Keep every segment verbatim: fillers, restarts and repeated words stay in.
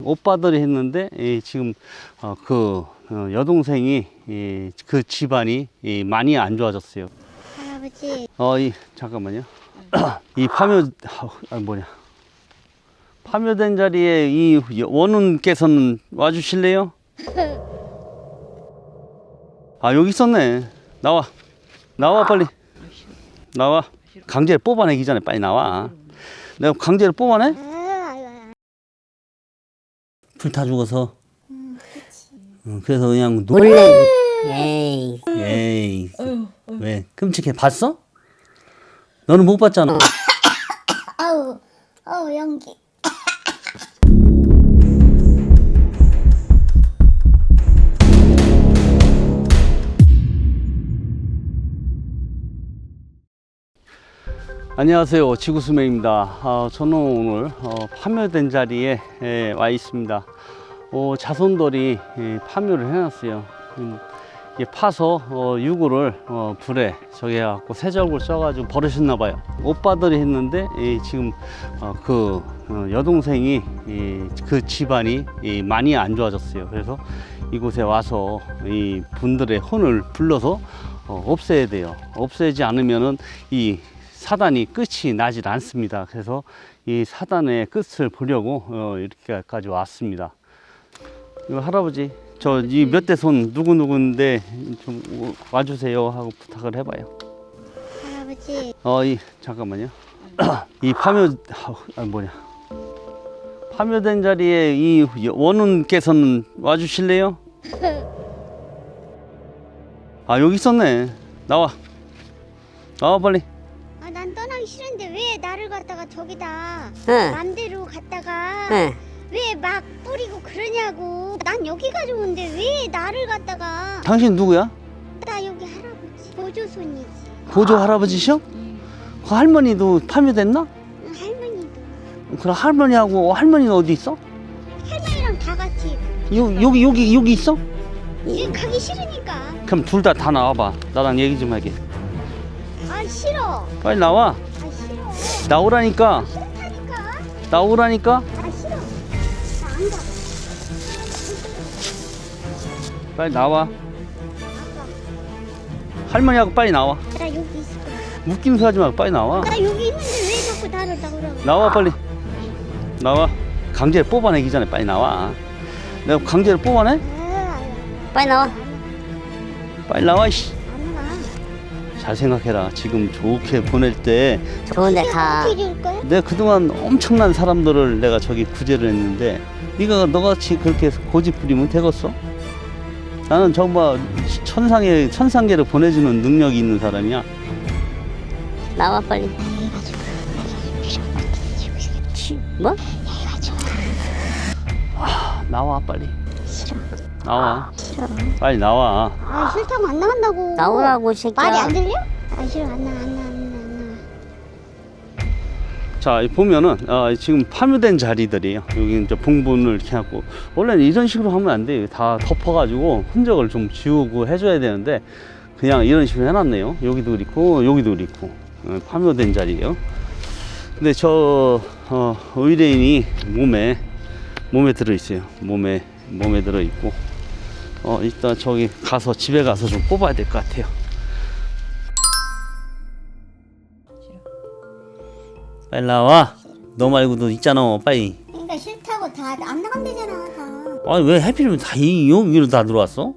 오빠들이 했는데 이 지금 어, 그 어, 여동생이 이, 그 집안이 이, 많이 안 좋아졌어요. 할아버지. 어, 이 잠깐만요. 이 파묘 아 뭐냐 파묘된 자리에 이 원훈께서는 와주실래요? 아 여기 있었네. 나와 나와 빨리 나와. 강제로 뽑아내기 전에 빨리 나와. 내가 강제로 뽑아내? 불타 죽어서. 음, 그치. 응, 그래서 그냥 노... 원래 에이 에이 왜 끔찍해. 봤어? 너는 못 봤잖아. 아우, 아우, 연기. 안녕하세요, 지구수명입니다. 어, 저는 오늘 어, 파묘된 자리에 에, 와 있습니다. 어, 자손들이 에, 파묘를 해놨어요. 음, 이게 파서 어, 유구를 어, 불에 저기 해갖고 세적을 써가지고 버리셨나 봐요. 오빠들이 했는데 이, 지금 어, 그 어, 여동생이 이, 그 집안이 이, 많이 안 좋아졌어요. 그래서 이곳에 와서 이 분들의 혼을 불러서 어, 없애야 돼요. 없애지 않으면은 이 사단이 끝이 나질 않습니다. 그래서 이 사단의 끝을 보려고 어, 이렇게까지 왔습니다. 이거 할아버지, 저 이 몇 대 손 누구 누구인데 좀 와주세요 하고 부탁을 해봐요. 할아버지. 어, 이 잠깐만요. 이 파묘 아 뭐냐 파묘된 자리에 이 원훈께서는 와주실래요? 아 여기 있었네. 나와 나와 빨리. 아, 난 떠나기 싫은데 왜 나를 갖다가 저기다 응. 맘대로 갔다가 응. 왜 막 뿌리고 그러냐고. 난 여기가 좋은데 왜 나를 갖다가. 당신 누구야? 나 여기 할아버지 보조손이지. 보조 할아버지셔? 그 할머니도 파묘됐나? 응, 할머니도. 그럼 할머니하고 할머니는 어디 있어? 할머니랑 다 같이. 요, 여기 여기 여기 있어? 지금 가기 싫으니까. 그럼 둘 다 다 나와봐. 나랑 얘기 좀 하게. 아, 싫어. 빨리 나와. 아, 싫어. 나오라니까. 싫다니까. 나오라니까. 아, 싫어. 나 안 가. 빨리 나와. 아까 할머니하고 빨리 나와. 나 여기 있을 거야. 웃김수 하지 말고 빨리 나와. 나 여기 있는데 왜 자꾸 나를 나오라고. 나와 빨리. 나와. 강제로 뽑아내기 전에 빨리 나와. 내가 강제로 뽑아내? 아, 빨리 나와. 빨리 나와 이씨. 안 가. 잘 생각해라. 지금 좋게 보낼 때 좋은데 가. 어떻게 줄 거야? 내가 그동안 엄청난 사람들을 내가 저기 구제를 했는데 네가 너같이 그렇게 고집 부리면 되겠어? 나는 정말 천상에 천상계를 보내주는 능력이 있는 사람이야. 나와 빨리. 뭐? 아, 나와 빨리. 싫어. 나와. 싫어. 빨리 나와. 아, 싫다고 안 나간다고. 나오라고, 이 새끼야. 말이 안 들려? 아, 싫어. 안 나, 안 나, 안 나, 안 나. 자 보면은 어, 지금 파묘된 자리들이에요. 여기 이제 봉분을 이렇게 하고 원래는 이런 식으로 하면 안 돼요. 다 덮어가지고 흔적을 좀 지우고 해줘야 되는데 그냥 이런 식으로 해놨네요. 여기도 그렇고 여기도 그렇고 어, 파묘된 자리예요. 근데 저 어, 의뢰인이 몸에 몸에 들어 있어요. 몸에 몸에 들어 있고 어, 일단 저기 가서 집에 가서 좀 뽑아야 될 것 같아요. 빨리 나와. 너 말고도 있잖아. 빨리. 그러니까 싫다고 다 안 나간대잖아. 다. 아니 왜 하필이면 다 이 여기로 다 들어왔어?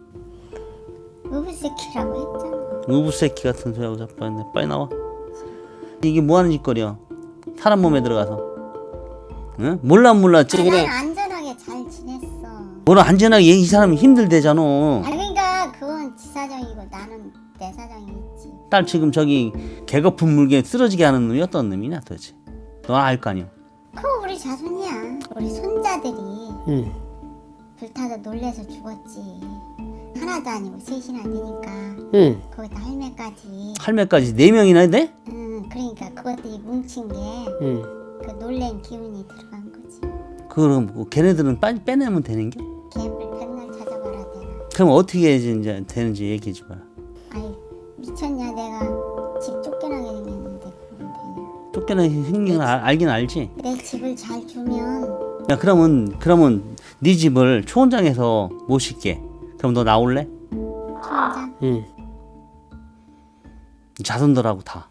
우브새끼라고 했잖아. 우부새끼 같은 소리하고 자꾸 했네. 빨리 나와. 이게 뭐 하는 짓거리야? 사람 몸에 들어가서. 응? 몰라 몰라. 아, 찌 난 안전하게 잘 지냈어. 뭐라 안전하게 이 사람이 힘들대잖아. 아, 그러니까 그건 지 사정이고 나는 내 사정이 있지. 딸 지금 저기 개거품 물게 쓰러지게 하는 놈이 어떤 놈이냐 도대체. 너 알 거 아니야. 그거 우리 자손이야. 우리 손자들이 응. 불타서 놀래서 죽었지. 하나도 아니고 셋이나 되니까 응. 거기다 할매까지. 할매까지 네 명이나 돼? 응, 그러니까 그것들이 뭉친 게 그 응. 놀랜 기운이 들어간 거지. 그럼 뭐 걔네들은 빨리 빼내면 되는 게? 개불 백날 찾아봐라 되나. 그럼 어떻게 이제 되는지 얘기해 줘 봐. 아이, 미쳤냐. 내가 집 쫓겨나게 생겼는데 그건 되냐. 쫓겨나 생긴 걸 알- 알긴 알지. 내 집을 잘 주면 야 그러면 그러면 네 집을 초원장에서 모실게. 그럼 너 나올래? 초원장. 응. 자손들하고 다.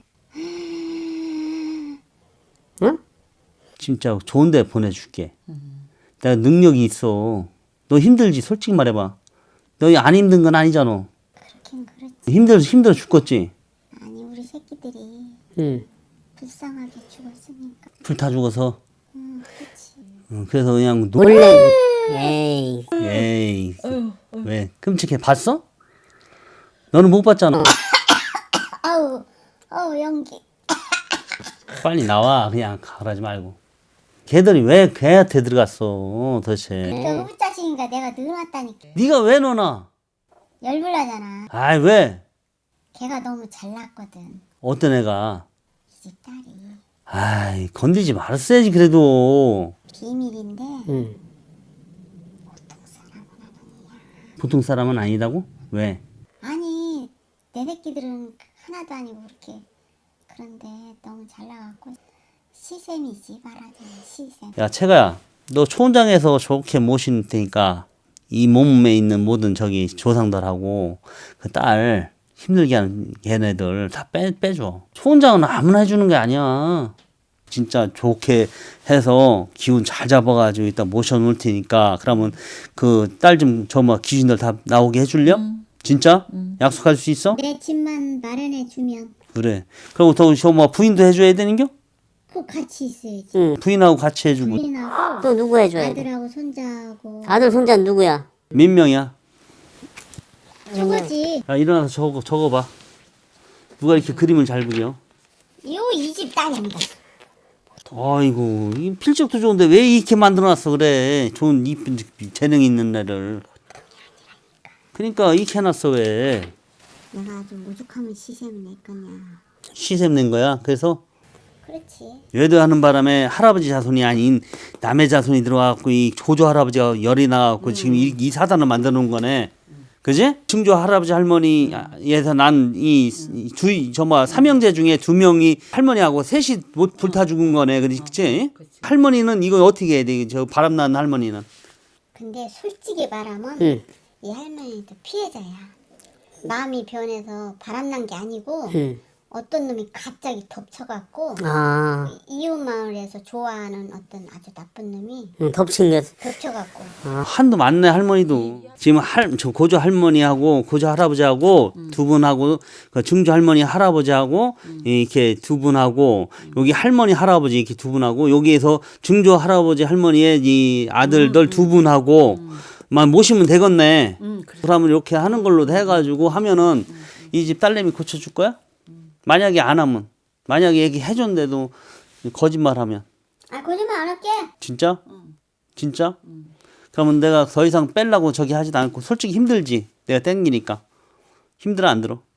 응? 진짜 좋은 데 보내줄게. 내가 능력이 있어. 너 힘들지? 솔직히 말해봐. 너 안 힘든 건 아니잖아. 그렇긴 그렇지. 힘들어 힘들어 죽겠지. 아니 우리 새끼들이 응. 불쌍하게 죽었으니까. 불타 죽어서. 응, 그렇지. 응, 그래서 그냥 노. 원래 에이. 에이 왜 끔찍해? 봤어? 너는 못 봤잖아. 아우, 아우 연기. 빨리 나와. 그냥 가라지 말고. 걔들이 왜 걔한테 들어갔어 도대체. 그 후자식인가 내가 늘어났다니까. 네가 왜 넣어놔? 열불나잖아. 아이 왜? 걔가 너무 잘났거든. 어떤 애가? 이 집 딸이. 아이 건드리지 말았어야지 그래도. 비밀인데 응. 보통 사람은 아니다고? 왜? 아니 내 새끼들은 하나도 아니고 그렇게 그런데 너무 잘나갖고 시샘이지 말하자면 시샘. 야 채가야 너 초원장에서 좋게 모신 테니까 이 몸에 있는 모든 저기 조상들하고 그 딸 힘들게 하는 걔네들 다 빼, 빼줘. 초원장은 아무나 해주는 게 아니야. 진짜 좋게 해서 기운 잘 잡아가지고 이따 모셔놓을 테니까 그러면 그 딸 좀 저 뭐 귀신들 다 나오게 해줄려? 진짜? 약속할 수 있어? 내 집만 마련해주면 그래. 그리고 더저뭐 부인도 해줘야 되는겨? 꼭 같이 있어야지. 응. 부인하고 같이 해주고. 부인하고 또 누구 해줘야 돼? 아들하고 손자하고 아들 손자 누구야? 몇 명이야? 저거지. 야 일어나서 적어 적어봐. 누가 이렇게 그림을 잘 그려? 요 이 집 딸입니다. 아이고 이 필적도 좋은데 왜 이렇게 만들어놨어 그래. 좋은 이쁜 재능 있는 애를. 그러니까 이렇게 해놨어 왜. 내가 아주 오죽하면 시샘을 낼 거냐. 시샘 낸 거야. 그래서 그렇지. 외도하는 바람에 할아버지 자손이 아닌 남의 자손이 들어와갖고 이 조조 할아버지가 열이 나갖고 지금 이, 이 사단을 만들어 놓은 거네. 그지? 증조 할아버지 할머니에서 난 이 주 저뭐 삼형제 중에 두 명이 할머니하고 셋이 못 불타 죽은 거네. 그렇지? 할머니는 이거 어떻게 해야 돼? 저 바람나는 할머니는. 근데 솔직히 말하면 응. 이 할머니도 피해자야. 마음이 변해서 바람난 게 아니고 응. 어떤 놈이 갑자기 덮쳐갖고 아. 이웃 마을에서 좋아하는 어떤 아주 나쁜 놈이 응, 덮친 게. 덮쳐갖고 한도 많네 할머니도. 지금 할 저 고조 할머니하고 고조 할아버지하고 두 분하고 그 증조 할머니 할아버지하고 이렇게 두 분하고 여기 할머니 할아버지 이렇게 두 분하고 여기에서 증조 할아버지 할머니의 이 아들들 두 분하고 만 모시면 되겠네. 그러면 이렇게 하는 걸로 해가지고 하면은 이 집 딸내미 고쳐줄 거야? 만약에 안 하면 만약에 얘기해 줬는데도 거짓말하면 아 거짓말 안 할게. 진짜? 진짜? 그러면 내가 더 이상 뺄라고 저기 하지도 않고 솔직히 힘들지. 내가 땡기니까. 힘들어 안 들어?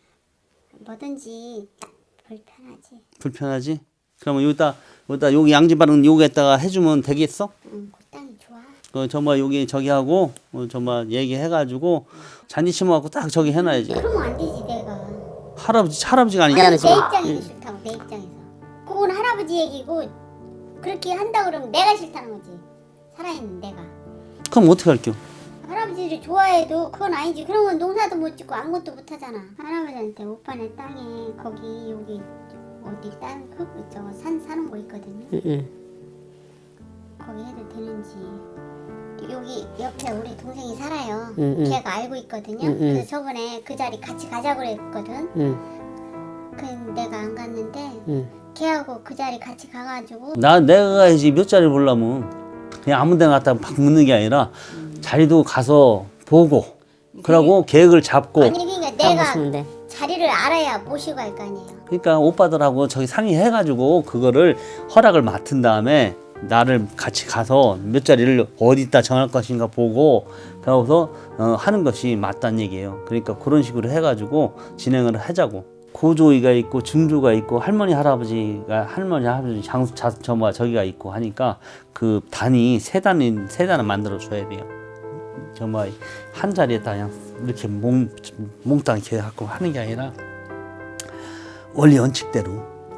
뭐든지 딱 불편하지. 불편하지? 그러면 여기다 여기다 여기 양지바른 여기에다가 해주면 되겠어? 응, 그 땅이 좋아. 그 정말 여기 저기 하고 어, 정말 얘기해가지고 잔디 심어갖고 딱 저기 해놔야지. 그러면 안 되지 내가. 할아버지 할아버지가 아니 아니야. 내 입장에서 싫다고 내 입장에서. 그건 할아버지 얘기고 그렇게 한다 그러면 내가 싫다는 거지. 살아있는 내가. 그럼 어떻게 할게요? 할아버지를 좋아해도 그건 아니지. 그러면 농사도 못 짓고 아무것도 못 하잖아. 할아버지한테 오빠네 땅에 거기 여기 어디 땅 그 저거 산 사는 거 있거든요. 응. 응. 거기 해도 되는지. 여기 옆에 우리 동생이 살아요. 응, 응. 걔가 알고 있거든요. 응, 응. 그래서 저번에 그 자리 같이 가자고 그랬거든. 응. 근데 내가 안 갔는데 응. 걔하고 그 자리 같이 가가지고 나 내가 가야지 몇 자리 보려면 그냥 아무 데나 갔다 막 묻는 게 아니라 자리도 가서 보고 그러고 계획을 잡고 아니 그러니까 다 내가 보시면 돼. 자리를 알아야 모시고 갈 거 아니에요. 그러니까 오빠들하고 저기 상의해가지고 그거를 허락을 맡은 다음에 나를 같이 가서 몇 자리를 어디다 정할 것인가 보고 그러고서 어, 하는 것이 맞다는 얘기예요. 그러니까 그런 식으로 해가지고 진행을 하자고. 고조이가 있고 증조가 있고 할머니 할아버지가 할머니 할아버지 장수 저뭐 저기가 있고 하니까 그 단이 세 단이 세 단을 만들어 줘야 돼요. 정말 한 자리에다 그냥 이렇게 몽 몽땅 이렇게 갖고 하는 게 아니라 원리 원칙대로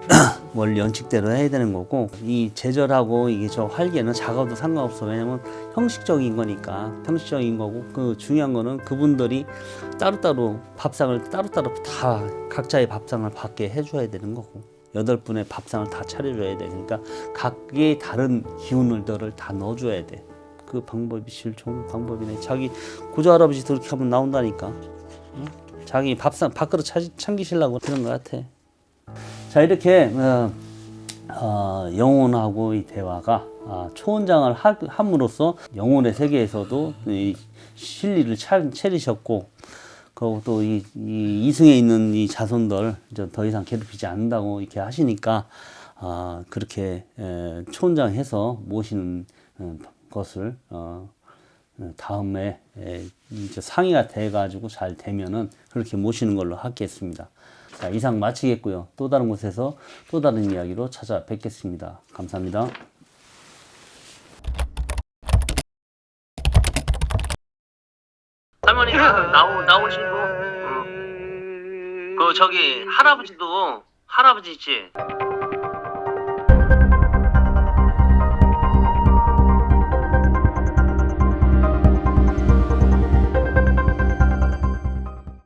원래 연칙대로 해야 되는 거고, 이 제절하고 이게 저 활개는 작아도 상관없어. 왜냐면 형식적인 거니까. 형식적인 거고, 그 중요한 거는 그분들이 따로따로 밥상을 따로따로 다 각자의 밥상을 받게 해줘야 되는 거고, 여덟 분의 밥상을 다 차려줘야 돼. 그러니까 각기 다른 기운들을 다 넣어줘야 돼. 그 방법이 제일 좋은 방법이네. 자기 고조 할아버지 그렇게 하면 나온다니까. 응? 자기 밥상 밥그릇 차, 참기시려고 그런 것 같아. 자, 이렇게 어, 어, 영혼하고 이 대화가 아, 초원장을 하, 함으로써 영혼의 세계에서도 이 실리를 차, 차리셨고, 그리고 또 이 이 이승에 있는 이 자손들 이제 더 이상 괴롭히지 않는다고 이렇게 하시니까 아, 그렇게 에, 초원장해서 모시는 어, 것을 어, 다음에 에, 이제 상의가 돼가지고 잘 되면은 그렇게 모시는 걸로 하겠습니다. 자, 이상 마치겠고요. 또 다른 곳에서 또 다른 이야기로 찾아뵙겠습니다. 감사합니다. 할머니, 나오, 나오신 분? 응. 그, 저기, 할아버지도, 할아버지 있지?